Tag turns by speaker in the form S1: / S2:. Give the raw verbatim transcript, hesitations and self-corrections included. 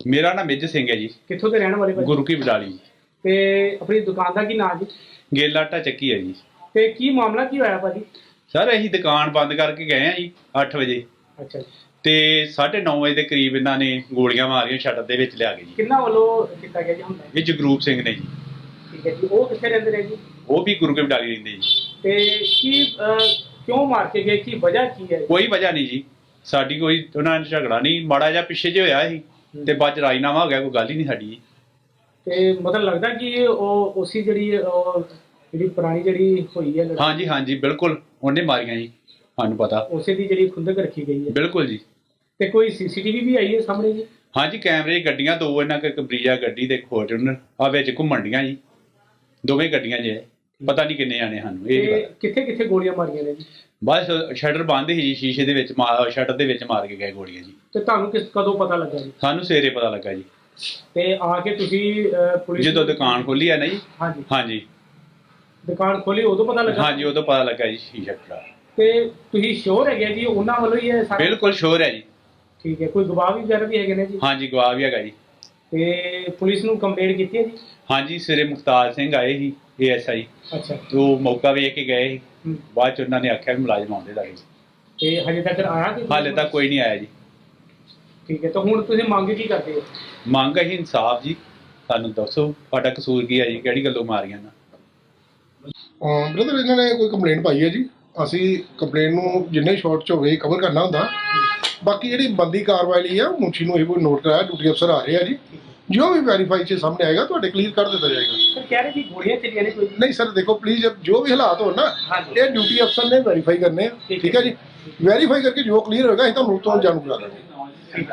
S1: मेरा नाम मेजर सिंह है जी।
S2: कित्थों के रहने वाले भाजी?
S1: गुरु की बडाली जी।
S2: ते अपनी दुकान का की नाम जी?
S1: गेला आटा ਚੱਕੀ है जी।
S2: ते की मामला की होया भाजी?
S1: सर ਅਸੀਂ ਦੁਕਾਨ ਬੰਦ ਕਰਕੇ ਗਏ ਆ ਜੀ ਅੱਠ ਵਜੇ
S2: अच्छा जी।
S1: ਤੇ ਸਾਢੇ ਨੌ ਵਜੇ ਦੇ ਕਰੀਬ ਇਹਨਾਂ ਨੇ ਗੋਲੀਆਂ ਮਾਰੀਆਂ ਸ਼ਟਰ ਦੇ ਵਿੱਚ ਲਿਆ ਕੇ ਜੀ।
S2: किन्ना वालों कितना गया जी हुंदा?
S1: ਇਹ ਜਗਰੂਪ ਸਿੰਘ ਨੇ ਜੀ।
S2: ठीक है जी। वो कित्थे रहंदे ने जी?
S1: ਉਹ ਵੀ ਗੁਰੂ ਕੀ ਬਡਾਲੀ ਰਹਿੰਦੇ ਜੀ।
S2: ते की अ, क्यों मार के गए, की वजह की है?
S1: ਕੋਈ ਵਜ੍ਹਾ ਨਹੀਂ ਜੀ, ਸਾਡੀ ਕੋਈ ਉਹਨਾਂ ਨਾਲ ਝਗੜਾ ਨਹੀਂ, ਮਾੜਾ ਜਿਹਾ ਪਿੱਛੇ ਜੇ ਹੋਇਆ ਸੀ ਤੇ ਬਾਅਦ ਚ ਰਾਜੀਨਾਮਾ ਹੋ ਗਿਆ, ਕੋਈ ਗੱਲ ਹੀ ਨਹੀਂ ਸਾਡੀ।
S2: ਤੇ ਮਤਲਬ ਲੱਗਦਾ ਕਿ ਉਹ ਉਸੀ ਜਿਹੜੀ ਉਹ ਜਿਹੜੀ ਪੁਰਾਣੀ ਜਿਹੜੀ ਹੋਈ ਹੈ ਲੜਾਈ,
S1: ਹਾਂਜੀ ਹਾਂਜੀ ਬਿਲਕੁਲ ਉਹਨੇ ਮਾਰੀਆਂ ਜੀ, ਸਾਨੂੰ ਪਤਾ।
S2: ਉਸੇ ਦੀ ਜਿਹੜੀ ਖੁੰਦਕ ਰੱਖੀ ਗਈ ਹੈ।
S1: ਬਿਲਕੁਲ ਜੀ।
S2: ਤੇ ਕੋਈ ਸੀਸੀਟੀਵੀ ਵੀ ਆਈ ਹੈ ਸਾਹਮਣੇ ਜੀ?
S1: ਹਾਂਜੀ ਕੈਮਰੇ ਗੱਡੀਆਂ ਦੋ ਇਹਨਾਂ ਕੋਲ, ਇੱਕ ਬਰੀਜਾ ਗੱਡੀ ਤੇ ਫੋਰਚੂਨਰ ਆ ਵਿੱਚ ਘੁੰਮਣ ਡੀਆਂ ਜੀ, ਦੋਵੇਂ ਗੱਡੀਆਂ ਜੇ ਪਤਾ ਨਹੀਂ ਕਿੰਨੇ ਆਣੇ ਸਾਨੂੰ ਇਹ
S2: ਤੇ ਕਿੱਥੇ ਕਿੱਥੇ ਗੋਲੀਆਂ ਮਾਰੀਆਂ ਨੇ ਜੀ?
S1: ਬਸ ਸ਼ਟਰ ਬੰਦ ਸੀ ਜੀ, ਸ਼ੀਸ਼ੇ ਦੇ ਵਿੱਚ ਸ਼ਟਰ ਦੇ ਵਿੱਚ ਮਾਰ ਕੇ ਗਏ ਗੋਲੀਆਂ ਜੀ।
S2: ਤੇ ਤੁਹਾਨੂੰ ਕਿਸ ਕਦੋਂ ਪਤਾ ਲੱਗਾ ਜੀ?
S1: ਸਾਨੂੰ ਸਵੇਰੇ ਪਤਾ ਲੱਗਾ ਜੀ,
S2: ਤੇ ਆ ਕੇ ਤੁਸੀਂ ਅ, ਪੁਲਿਸ
S1: ਜਦੋਂ ਦੁਕਾਨ ਖੋਲੀ ਆ ਨਾ ਜੀ।
S2: ਹਾਂਜੀ
S1: ਹਾਂਜੀ
S2: ਦੁਕਾਨ ਖੋਲੀ ਉਦੋਂ ਪਤਾ ਲੱਗਾ?
S1: ਹਾਂਜੀ ਉਦੋਂ ਪਤਾ ਲੱਗਾ ਜੀ ਸ਼ੀਸ਼ਾ ਟੁੱਟਾ।
S2: ਤੇ ਤੁਸੀਂ ਸ਼ੋਰ ਹੈਗੇ ਜੀ ਉਹਨਾਂ ਵੱਲੋਂ ਹੀ ਇਹ ਸਾਰਾ?
S1: ਬਿਲਕੁਲ ਸ਼ੋਰ ਹੈ ਜੀ।
S2: ਠੀਕ ਹੈ। ਕੋਈ ਗਵਾਹ ਵੀ ਵਗੈਰਾ ਵੀ ਹੈਗੇ ਨੇ ਜੀ?
S1: ਹਾਂਜੀ ਗਵਾਹ ਵੀ ਹੈਗਾ ਜੀ।
S2: ਤੇ ਪੁਲਿਸ ਨੂੰ ਕੰਪਲੇਂਟ ਕੀਤੀ ਹੈ ਜੀ?
S1: ਹਾਂਜੀ ਸਵੇਰੇ ਮੁਖਤਾਰ ਸਿੰਘ ਆਏ ਸੀ ਏ ਐਸ ਆਈ,
S2: ਅੱਛਾ।
S1: ਉਹ ਮੌਕਾ ਵੇਖ ਕੇ ਗਏ ਸੀ,
S2: ਹੂੰ।
S1: ਬਾਅਦ ਚ ਉਹਨਾਂ ਨੇ ਆਖਿਆ ਵੀ ਮੁਲਾਜ਼ਮ ਆਉਂਦੇ ਲੱਗੇ।
S2: ਤੇ ਹਜੇ ਤੱਕ ਆਇਆ ਕਿ?
S1: ਹਾਲੇ ਤੱਕ ਕੋਈ ਨਹੀਂ ਆਇਆ ਜੀ।
S2: ਠੀਕ ਹੈ। ਤਾਂ ਹੁਣ ਤੁਸੀਂ ਮੰਗ ਕੀ ਕਰਦੇ ਹੋ?
S1: ਮੰਗ ਹੈ ਇਨਸਾਫ ਜੀ, ਸਾਨੂੰ ਦੱਸੋ ਤੁਹਾਡਾ ਕਸੂਰ ਕੀ ਹੈ ਜੀ, ਕਿਹੜੀ ਗੱਲੋਂ ਮਾਰੀਆਂ ਨਾ?
S3: ਬ੍ਰਦਰ ਇਹਨਾਂ ਨੇ ਕੋਈ ਕੰਪਲੇਂਟ ਪਾਈ ਹੈ ਜੀ, ਅਸੀਂ ਕੰਪਲੇਂਟ ਨੂੰ ਜਿੰਨੇ ਸ਼ਾਰਟ ਚ ਹੋਵੇ ਕਵਰ ਕਰਨਾ ਹੁੰਦਾ। ਬਾਕੀ ਜਿਹੜੀ ਬੰਦੀ ਕਾਰਵਾਈ ਲਈ ਆ ਮੁਨਸ਼ੀ ਨੂੰ ਇਹ ਕੋਈ ਨੋਟ ਕਰਾਇਆ, ਡਿਊਟੀ ਅਫਸਰ ਆ ਰਹੇ ਆ ਜੀ, ਜੋ ਵੀ ਵੈਰੀਫਾਈ ਚ ਸਾਹਮਣੇ ਆਏਗਾ ਤੁਹਾਡੇ ਕਲੀਅਰ ਕਰ ਦਿੱਤਾ ਜਾਏਗਾ।
S2: ਸਰ ਕਹਿ ਰਹੇ ਕਿ ਗੋਲੀਆਂ ਚੱਲੀਆਂ ਨੇ ਕੋਈ?
S3: ਨਹੀਂ ਸਰ ਦੇਖੋ ਪਲੀਜ਼, ਜੋ ਵੀ ਹਾਲਾਤ ਹੋਣ ਨਾ
S2: ਹਾਂਜੀ।
S3: ਇਹ ਡਿਊਟੀ ਅਫਸਰ ਨੇ ਵੈਰੀਫਾਈ ਕਰਨੇ ਆ, ਠੀਕ ਹੈ ਜੀ। ਵੈਰੀਫਾਈ ਕਰਕੇ ਜੋ ਕਲੀਅਰ ਹੋਏਗਾ ਅਸੀਂ ਤੁਹਾਨੂੰ ਤੋਂ ਜਾਣੂ ਕਰਾ ਦਾਂਗੇ।